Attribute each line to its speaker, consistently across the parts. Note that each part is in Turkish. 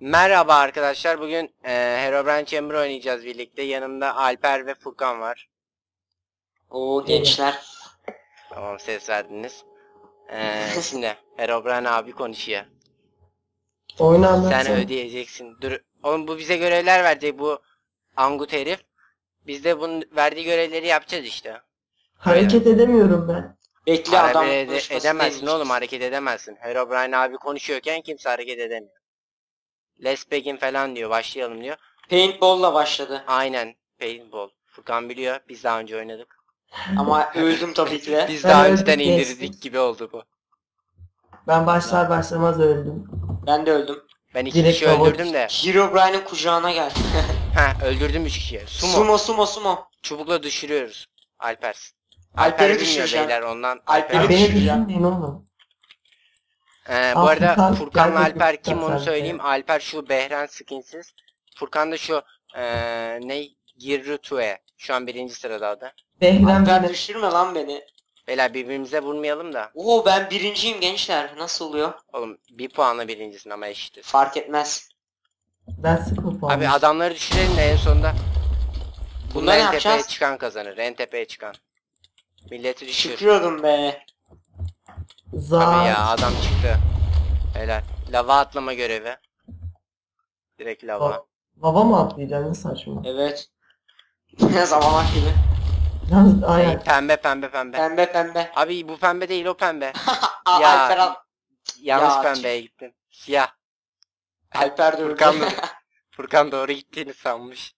Speaker 1: Merhaba arkadaşlar. Bugün Herobrine Chamber oynayacağız birlikte. Yanımda Alper ve Furkan var.
Speaker 2: Oo gençler.
Speaker 1: Tamam, ses verdiniz. Şimdi Herobrine abi konuşuyor.
Speaker 3: Oyunu
Speaker 1: Sen
Speaker 3: anlatsana.
Speaker 1: ödeyeceksin. Dur. Oğlum bu bize görevler verecek, bu Angut herif. Biz de bunun verdiği görevleri yapacağız işte.
Speaker 3: Hareket edemiyorum ben.
Speaker 2: Bekle adam
Speaker 1: Hareket edemezsin oğlum, hareket edemezsin. Herobrine abi konuşuyorken kimse hareket edemiyor. Let's begin falan diyor, başlayalım diyor.
Speaker 2: Paintball'la başladı.
Speaker 1: Aynen, paintball. Furkan biliyor, biz daha önce oynadık.
Speaker 2: Ama öldüm tabii ki de.
Speaker 1: Biz
Speaker 3: Ben
Speaker 1: daha
Speaker 3: öldüm,
Speaker 1: önceden
Speaker 3: geçtim.
Speaker 1: indirdik gibi oldu bu.
Speaker 3: Ben başlar başlamaz öldüm.
Speaker 2: Ben de öldüm.
Speaker 1: Ben iki
Speaker 3: Direkt
Speaker 1: kişi
Speaker 3: robot.
Speaker 1: öldürdüm de.
Speaker 2: Herobrine'in kucağına gel.
Speaker 1: Öldürdüm 3 kişiyi. Sumo. Çubukla düşürüyoruz. Alper.
Speaker 2: Alper'i
Speaker 1: bilmiyor
Speaker 2: düşüreceğim.
Speaker 1: beyler, ondan.
Speaker 2: Alper'i
Speaker 3: Ya
Speaker 1: Alper.
Speaker 3: beni
Speaker 2: düşüreceğim.
Speaker 3: düşünmeyin oğlum.
Speaker 1: Bu arada
Speaker 3: Furkan,
Speaker 1: Furkan'la
Speaker 3: gel
Speaker 1: Alper
Speaker 3: bakayım,
Speaker 1: kim onu
Speaker 3: sen
Speaker 1: söyleyeyim.
Speaker 3: de.
Speaker 1: Alper şu Behren skinsiz. Furkan da şu ne? Girrutue. Şu an 1. sırada adı.
Speaker 3: Behrem
Speaker 2: Alper
Speaker 3: bile.
Speaker 2: düşürme lan beni.
Speaker 1: Beyler birbirimize vurmayalım da.
Speaker 2: Oo ben birinciyim gençler. Nasıl oluyor?
Speaker 1: Oğlum 1 puanla birincisin ama eşitiz.
Speaker 2: Fark etmez.
Speaker 3: Ben 0 puan.
Speaker 1: Abi adamları düşürelim de en sonunda.
Speaker 2: Bunda ne
Speaker 1: En tepeye
Speaker 2: yapacağız?
Speaker 1: çıkan kazanır. En tepeye çıkan. Milleti düşür.
Speaker 2: Çıkıyordum be.
Speaker 1: Abi ya adam çıktı. Helal. Lava atlama görevi. Direkt lava.
Speaker 3: Baba mı atlayacaksın? Ne saçma.
Speaker 2: Evet. Ne zaman gibi.
Speaker 3: Yalnız
Speaker 1: Hey,
Speaker 3: aynen.
Speaker 1: pembe.
Speaker 2: Pembe.
Speaker 1: Abi bu pembe değil, o pembe.
Speaker 2: Aa,
Speaker 1: Ya.
Speaker 2: Alper al.
Speaker 1: Yanlış
Speaker 2: Ya,
Speaker 1: pembeye gittim. Siyah.
Speaker 2: Alper de öldü.
Speaker 1: Furkan doğru gittiğini sanmış.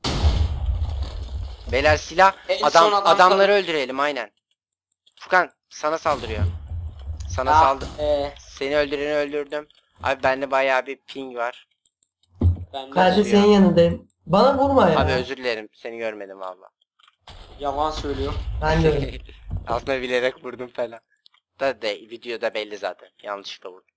Speaker 1: Beyler silah.
Speaker 2: En son adam
Speaker 1: Adamları öldürelim aynen. Furkan sana saldırıyor. Sana
Speaker 2: Ah,
Speaker 1: saldı. Seni öldüreni öldürdüm. Abi bende bayağı bir ping var.
Speaker 2: Ben
Speaker 3: Ben de
Speaker 2: de
Speaker 3: senin yanındayım. Bana vurma ya.
Speaker 1: Abi özür dilerim. Seni görmedim valla.
Speaker 2: yalan söylüyor.
Speaker 3: Ben de öyle.
Speaker 1: Aslında bilerek vurdum falan. Da videoda belli zaten. Yanlışlıkla vurdum.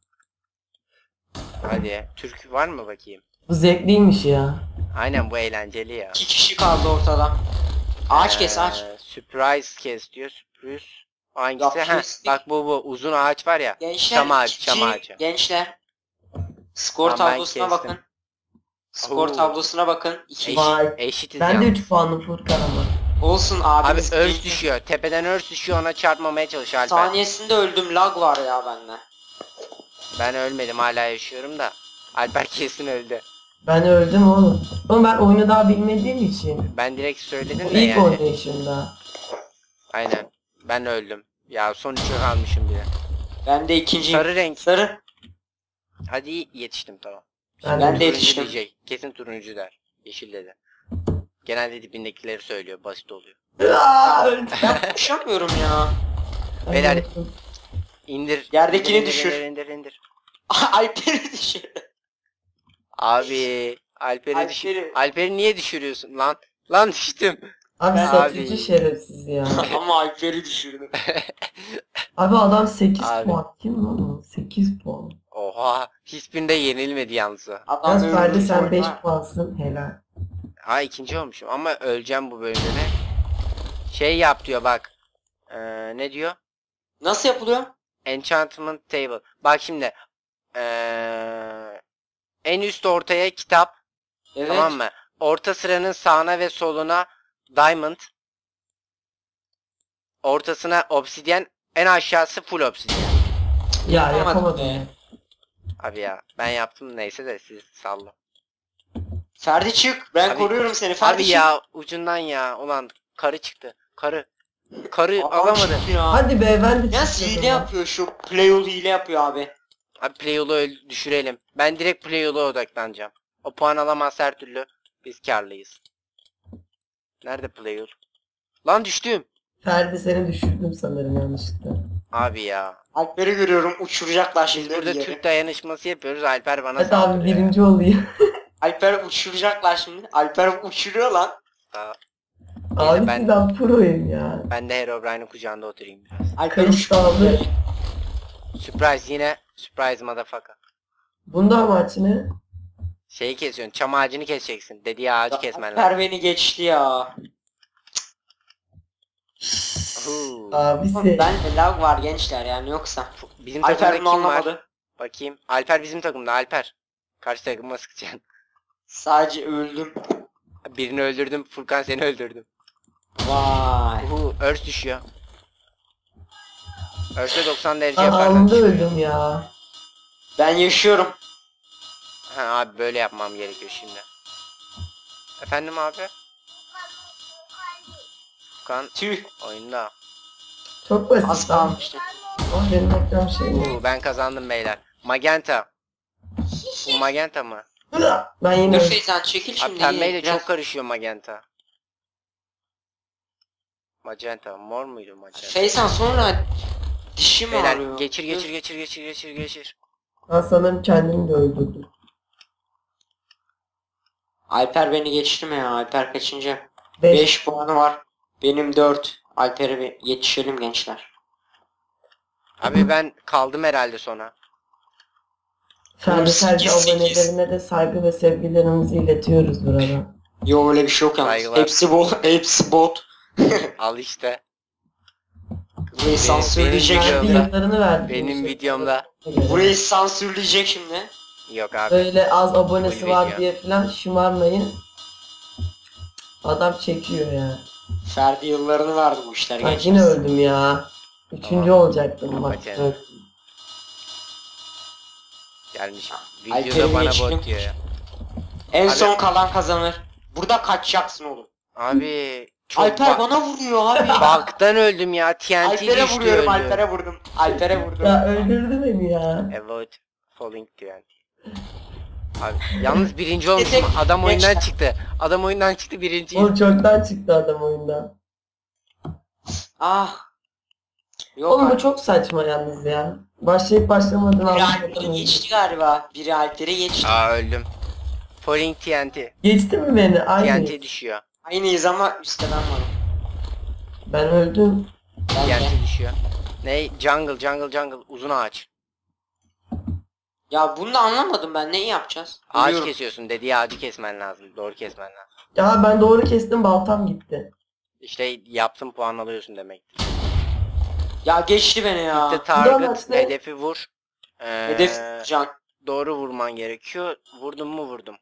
Speaker 1: Hadi. Türk var mı bakayım?
Speaker 3: Bu zevkliymiş ya.
Speaker 1: Aynen, bu eğlenceli ya.
Speaker 2: 2 kişi kaldı ortada. Ağaç kes ağaç.
Speaker 1: Surprise kes diyor. Sürpriz. Hangisi?
Speaker 2: Ya, kestik.
Speaker 1: Bak bu uzun ağaç var ya.
Speaker 2: Gençler,
Speaker 1: Çam ağacı,
Speaker 2: ikinci-
Speaker 1: çam ağacı.
Speaker 2: Gençler. Skor
Speaker 1: Tamam, ben
Speaker 2: tablosuna
Speaker 1: kestim.
Speaker 2: bakın. Skor
Speaker 1: Oo.
Speaker 2: tablosuna bakın. İki.
Speaker 3: Vay.
Speaker 1: Eşitiz
Speaker 3: Ben de
Speaker 1: yalnız.
Speaker 3: 3 puanım Furkan ama.
Speaker 2: Olsun
Speaker 1: Abi
Speaker 2: abimiz.
Speaker 1: örs
Speaker 2: birinci.
Speaker 1: düşüyor. Tepeden örs düşüyor, ona çarpmamaya çalış Alper.
Speaker 2: Saniyesinde öldüm, lag var ya bende.
Speaker 1: Ben ölmedim, hala yaşıyorum da. Alper kesin öldü.
Speaker 3: Ben öldüm oğlum. Ama ben oyunu daha bilmediğim için.
Speaker 1: Ben direkt
Speaker 3: Bu
Speaker 1: söyledim de
Speaker 3: ilk
Speaker 1: yani.
Speaker 3: oynayışım daha.
Speaker 1: Aynen. Ben öldüm. Ya son 3'e kalmışım bile.
Speaker 2: Ben de ikinciyim.
Speaker 1: Sarı renk.
Speaker 2: Sarı.
Speaker 1: Hadi yetiştim, tamam.
Speaker 3: Ben
Speaker 2: de
Speaker 1: Turuncu
Speaker 2: yetiştim.
Speaker 1: diyecek. Kesin turuncu der. Yeşil dedi. Genelde dibindekileri söylüyor. Basit oluyor.
Speaker 3: Aa, öldüm.
Speaker 2: Ben koşamıyorum ya.
Speaker 1: Beyler,
Speaker 3: Ben öldüm.
Speaker 1: İndir.
Speaker 2: Yerdekini
Speaker 1: İndir,
Speaker 2: düşür.
Speaker 1: indir.
Speaker 2: Alper'i düşürdü.
Speaker 1: Abi. Alper'i düşür. Alper'i niye düşürüyorsun lan? Lan düştüm.
Speaker 3: Abi
Speaker 2: Ben-
Speaker 3: satıcı
Speaker 1: Abi.
Speaker 3: şerefsiz ya.
Speaker 2: Ama Alper'i düşürdü.
Speaker 3: Abi adam 8
Speaker 1: Abi.
Speaker 3: puan. Kim lan o? 8 puan.
Speaker 1: Oha. Hiçbirinde yenilmedi yalnız o.
Speaker 2: Adam
Speaker 3: Yalnız
Speaker 2: öldü.
Speaker 3: Ferdi sen 5
Speaker 2: Oyna.
Speaker 3: puansın. Helal.
Speaker 1: Ha, ikinci olmuşum ama öleceğim bu bölümde de. Şey yap diyor bak. Ne diyor?
Speaker 2: Nasıl yapılıyor?
Speaker 1: Enchantment table. Bak şimdi. En üst ortaya kitap.
Speaker 2: Evet.
Speaker 1: Tamam mı? Orta sıranın sağına ve soluna diamond. Ortasına obsidyen. En aşağısı full obsidyen.
Speaker 3: Ya
Speaker 2: Yapamadım
Speaker 3: yapamadım
Speaker 2: be.
Speaker 3: ya.
Speaker 1: Abi ya ben yaptım, neyse de siz salla.
Speaker 2: Ferdi çık. Ben
Speaker 1: Abi-
Speaker 2: koruyorum seni. Ferdi
Speaker 1: Abi
Speaker 2: çık.
Speaker 1: ya ucundan ya. Ulan karı çıktı. Karı
Speaker 2: Adam
Speaker 1: alamadı.
Speaker 2: çıktı ya.
Speaker 3: Hadi be ben de
Speaker 2: Ya
Speaker 3: çıkıyordum
Speaker 2: hile
Speaker 3: ya.
Speaker 2: yapıyor şu. Playol hile yapıyor abi.
Speaker 1: Abi Playol'u düşürelim. Ben direkt Playol'a odaklanacağım. O puan alamaz her türlü. Biz karlıyız. Nerede Playol? Lan düştüm.
Speaker 3: Ferdi seni düşürdüm sanırım yanlışlıkla.
Speaker 1: Abi ya.
Speaker 2: Alper'i görüyorum. Uçuracaklar
Speaker 1: Biz
Speaker 2: şimdi.
Speaker 1: burada
Speaker 2: bir yere.
Speaker 1: Türk dayanışması yapıyoruz. Alper bana
Speaker 3: Hadi abi
Speaker 1: saldırıyor.
Speaker 3: birinci oluyor.
Speaker 2: Alper uçuracaklar şimdi. Alper uçuruyor lan.
Speaker 1: Aa,
Speaker 3: Abi
Speaker 1: ben-
Speaker 3: ben proyum ya.
Speaker 1: ben de Herobrine'in kucağında oturayım biraz.
Speaker 2: Alper
Speaker 3: Kayıt
Speaker 2: uçuruyor.
Speaker 3: aldı.
Speaker 1: Surprise, yine surprise motherfucker.
Speaker 3: Bunda amaç ne?
Speaker 1: Şeyi kesiyorsun. Çam ağacını keseceksin. Dediği ağacı kesmen
Speaker 2: Alper
Speaker 1: lazım.
Speaker 2: beni geçti ya.
Speaker 1: Huu.
Speaker 3: Abi
Speaker 2: Oğlum
Speaker 3: sen.
Speaker 2: ben de lag var gençler yani yoksa.
Speaker 1: Bizim takımda
Speaker 2: Alper
Speaker 1: kim
Speaker 2: bunu
Speaker 1: var?
Speaker 2: anlamadı.
Speaker 1: Bakayım. Alper bizim takımda. Alper. Karşı takıma sıkacaksın.
Speaker 2: Sadece öldüm.
Speaker 1: Birini öldürdüm. Furkan seni öldürdüm.
Speaker 2: Vay.
Speaker 1: Örs düşüyor. Örs'e 90 derece
Speaker 3: Aa,
Speaker 1: yaparsan
Speaker 3: anında
Speaker 1: çıkıyor.
Speaker 3: öldüm ya.
Speaker 2: Ben yaşıyorum.
Speaker 1: Ha abi böyle yapmam gerekiyor şimdi. Efendim abi? Furkan
Speaker 2: Tüh.
Speaker 1: oyunda.
Speaker 3: Çok basit.
Speaker 2: Az
Speaker 3: lan.
Speaker 2: kalmıştı.
Speaker 3: Oh, benim ekran şey.
Speaker 1: Ben kazandım beyler. Magenta. Bu magenta mı?
Speaker 3: Ben yine
Speaker 2: Dur
Speaker 3: öldüm.
Speaker 2: Feyzan çekil
Speaker 1: Abi
Speaker 2: şimdi.
Speaker 1: pembeyle
Speaker 2: Biraz-
Speaker 1: çok karışıyor magenta. Magenta. Mor muydu magenta?
Speaker 2: Feyzan sonra dişim
Speaker 1: Beyler
Speaker 2: ağrıyor.
Speaker 1: geçir.
Speaker 3: Ben sanırım kendimi de öldürdüm.
Speaker 2: Alper beni geçti mi ya? Alper kaçıncı?
Speaker 3: 5.
Speaker 2: 5 puanı var. Benim 4. Alper'e bir yetişelim gençler.
Speaker 1: Abi ben kaldım herhalde sona.
Speaker 3: Sadece
Speaker 2: sekiz.
Speaker 3: abonelerine de saygı ve sevgilerimizi iletiyoruz burada.
Speaker 2: Yo öyle bir şey yok yalnız.
Speaker 1: Saygılar.
Speaker 2: Hepsi bot. Hepsi bot.
Speaker 1: Al işte.
Speaker 2: Burayı sansürleyecek
Speaker 1: benim
Speaker 3: Kendi
Speaker 2: şimdi.
Speaker 1: videomda-
Speaker 3: yıllarını verdi.
Speaker 1: Benim videomda.
Speaker 2: Burayı sansürleyecek şimdi.
Speaker 1: Yok abi.
Speaker 3: Böyle az abonesi
Speaker 1: Full
Speaker 3: var
Speaker 1: video.
Speaker 3: diye falan şımarmayın. Adam çekiyor ya.
Speaker 2: Ferdi yıllarını verdi bu işler
Speaker 3: Bak
Speaker 2: gençler.
Speaker 3: yine öldüm ya. Üçüncü
Speaker 1: Tamam.
Speaker 3: olacaktım bak.
Speaker 1: Kapat
Speaker 3: Evet.
Speaker 1: Gelmiş.
Speaker 2: Alper'in
Speaker 1: Videoda bana
Speaker 2: geçtim.
Speaker 1: bot diyor ya.
Speaker 2: En
Speaker 1: Abi-
Speaker 2: son kalan kazanır. Burada kaçacaksın oğlum.
Speaker 1: Abi çok
Speaker 2: Alper bana vuruyor abi.
Speaker 1: Baktan öldüm ya. TNT
Speaker 2: Alper'e
Speaker 1: düştü
Speaker 2: vuruyorum,
Speaker 1: öldü.
Speaker 2: Alper'e vurdum. Alper'e vurdum.
Speaker 3: Ya öldürdü beni ya.
Speaker 1: Avoid falling TNT. Abi yalnız birinci olmuşum.
Speaker 2: Tek-
Speaker 1: Adam oyundan
Speaker 2: gençler.
Speaker 1: çıktı. Adam oyundan çıktı birinci.
Speaker 3: O çoktan çıktı adam oyundan.
Speaker 2: Ah. Yok
Speaker 3: Oğlum bu
Speaker 2: artık.
Speaker 3: çok saçma yalnız ya. Başlayıp başlamadığını
Speaker 2: Biri
Speaker 3: anlamadım.
Speaker 2: Alper'e geçti galiba. Biri Alper'e geçti.
Speaker 1: Aa öldüm. Falling TNT.
Speaker 3: Geçti mi beni? Aynı.
Speaker 1: TNT düşüyor.
Speaker 2: Aynıyız ama üstte ben varım.
Speaker 3: Ben öldüm.
Speaker 2: Ben de.
Speaker 1: TNT düşüyor. Ne? Jungle. Uzun ağaç.
Speaker 2: Ya bunu da anlamadım ben. Neyi yapacağız?
Speaker 1: Ağaç
Speaker 2: Biliyorum.
Speaker 1: kesiyorsun. Dediği ağacı kesmen lazım. Doğru kesmen lazım.
Speaker 3: Ya ben doğru kestim, baltam gitti.
Speaker 1: İşte yaptın puan alıyorsun demek.
Speaker 2: Ya geçti beni ya.
Speaker 1: İşte target
Speaker 3: Buradan ne?
Speaker 1: hedefi vur.
Speaker 2: Hedef can.
Speaker 1: Doğru vurman gerekiyor. Vurdum mu vurdum.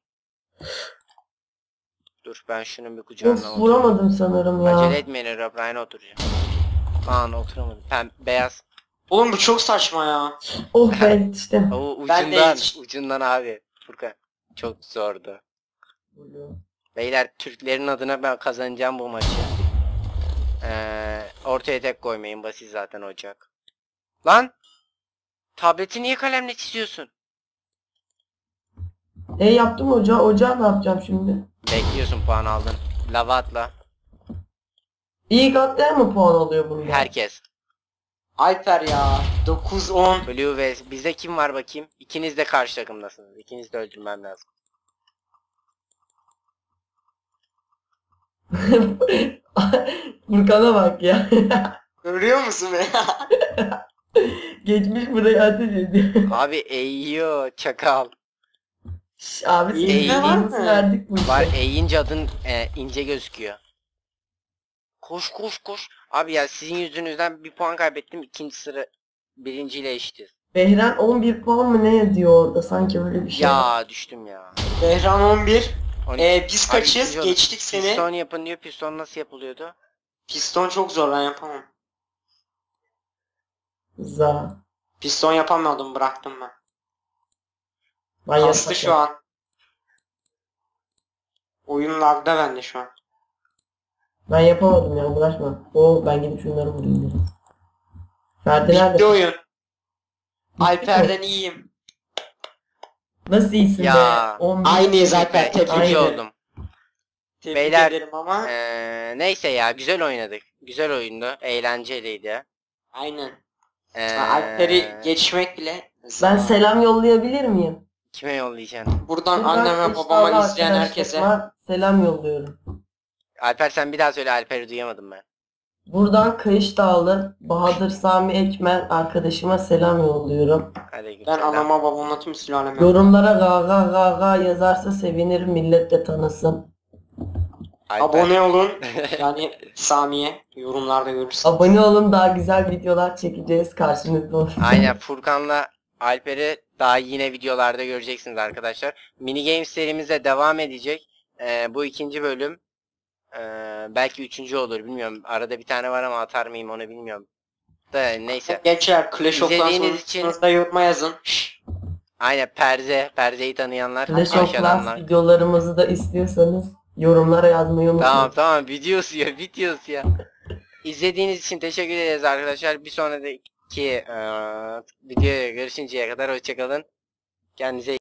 Speaker 1: Dur ben şunun bir kucağına
Speaker 3: Of
Speaker 1: oturayım.
Speaker 3: vuramadım sanırım ya.
Speaker 1: Acele etmeyin Herobrine'e oturacağım. Aa oturamadım. Beyaz.
Speaker 2: Oğlum bu çok saçma ya.
Speaker 3: Oh ben yetiştim.
Speaker 1: O
Speaker 2: Ben de
Speaker 1: ucundan,
Speaker 2: yetiştim.
Speaker 1: ucundan abi. Furkan. Çok zordu. Beyler Türklerin adına ben kazanacağım bu maçı. Ortaya tek koymayın. Basit zaten ocak. Lan! Tableti niye kalemle çiziyorsun?
Speaker 3: Yaptım ocağı. Ocağı ne yapacağım şimdi?
Speaker 1: Bekliyorsun puan aldın. Lava atla.
Speaker 3: İyi katlayan mı puan alıyor bunda?
Speaker 1: Herkes.
Speaker 2: Alper ya. 9-10.
Speaker 1: Blue ve bizde kim var bakayım? İkiniz de karşı takımdasınız. İkiniz de öldürmem lazım.
Speaker 3: Furkan'a bak ya.
Speaker 2: Görüyor musun beni?
Speaker 3: Geçmiş buraya ateş ediyor.
Speaker 1: Abi eğiyor çakal.
Speaker 3: Şş, abi
Speaker 2: İyi
Speaker 3: senin
Speaker 1: mi?
Speaker 2: Var
Speaker 3: iyimizi
Speaker 2: mı?
Speaker 3: verdik bu
Speaker 1: Var
Speaker 3: işe.
Speaker 1: eğince adın ince gözüküyor. Koş. Abi ya sizin yüzünüzden bir puan kaybettim. İkinci sıra birinciyle eşitiz.
Speaker 3: Behran 11 puan mı ne yazıyor orada? Sanki öyle bir şey. var.
Speaker 1: Ya düştüm ya.
Speaker 2: Behran 11.
Speaker 1: 12.
Speaker 2: Biz
Speaker 1: Abi
Speaker 2: kaçız?
Speaker 1: ikinci oldum.
Speaker 2: Geçtik seni.
Speaker 1: Piston yapın diyor. Piston nasıl yapılıyordu?
Speaker 2: Piston çok zor ben yapamam.
Speaker 3: Za.
Speaker 2: Piston yapamıyordum bıraktım ben.
Speaker 3: Ben
Speaker 2: Kastı şu an. Oyun lagda bende şu an.
Speaker 3: Ben yapamadım ya, uğraşma. Ben gidip şunları vurayım biraz. Ferdi
Speaker 2: Bitti
Speaker 3: nerede?
Speaker 2: oyun. Alper'den iyiyim.
Speaker 3: Nasıl iyisin
Speaker 1: Ya.
Speaker 3: be? 11.
Speaker 2: Aynıyız Alper,
Speaker 1: Ben
Speaker 2: tebrik
Speaker 1: ikinci
Speaker 3: Aynen.
Speaker 1: oldum.
Speaker 2: Tebrik
Speaker 1: Beyler,
Speaker 2: ederim ama.
Speaker 1: Neyse ya güzel oynadık. Güzel oyundu. Eğlenceliydi.
Speaker 2: Aynen.
Speaker 1: Eee,
Speaker 2: Alper'i geçmek bile.
Speaker 3: Ben
Speaker 2: zaman.
Speaker 3: selam yollayabilir miyim?
Speaker 1: Kime yollayacaksın?
Speaker 2: Buradan
Speaker 3: Buradan
Speaker 2: anneme
Speaker 3: Kışlalı
Speaker 2: babama izleyen herkese.
Speaker 3: arkadaşlarıma selam yolluyorum.
Speaker 1: Alper sen bir daha söyle, Alper'i duyamadım ben.
Speaker 3: Buradan Kayışdağlı Bahadır Sami Ekmen arkadaşıma selam yolluyorum.
Speaker 2: Ben
Speaker 1: Aleykümselam.
Speaker 2: anama babama tüm sülaleme.
Speaker 3: Yorumlara gaga gaga yazarsa sevinirim, millet de tanısın.
Speaker 1: Alper.
Speaker 2: Abone olun. Yani Sami'ye yorumlarda görürsün.
Speaker 3: Abone olun, daha güzel videolar çekeceğiz karşınızda olsun.
Speaker 1: Aynen Furkan'la Alper'i Daha yine videolarda göreceksiniz arkadaşlar. Mini games serimize devam edecek. Bu ikinci bölüm. Belki üçüncü olur bilmiyorum. Arada bir tane var ama atar mıyım onu bilmiyorum. Da neyse.
Speaker 2: Gençler Clash of Clans
Speaker 1: İzlediğiniz için-
Speaker 2: oynuyorsanız da yoruma yazın.
Speaker 1: Aynen Perze'yi tanıyanlar.
Speaker 3: Clash of Clans
Speaker 1: aşağıdanlar.
Speaker 3: videolarımızı da istiyorsanız yorumlara yazmayı unutmayın.
Speaker 1: Tamam videosu ya. İzlediğiniz için teşekkür ederiz arkadaşlar. Bir sonraki videoya görüşünceye kadar hoşçakalın. Kendinize iyi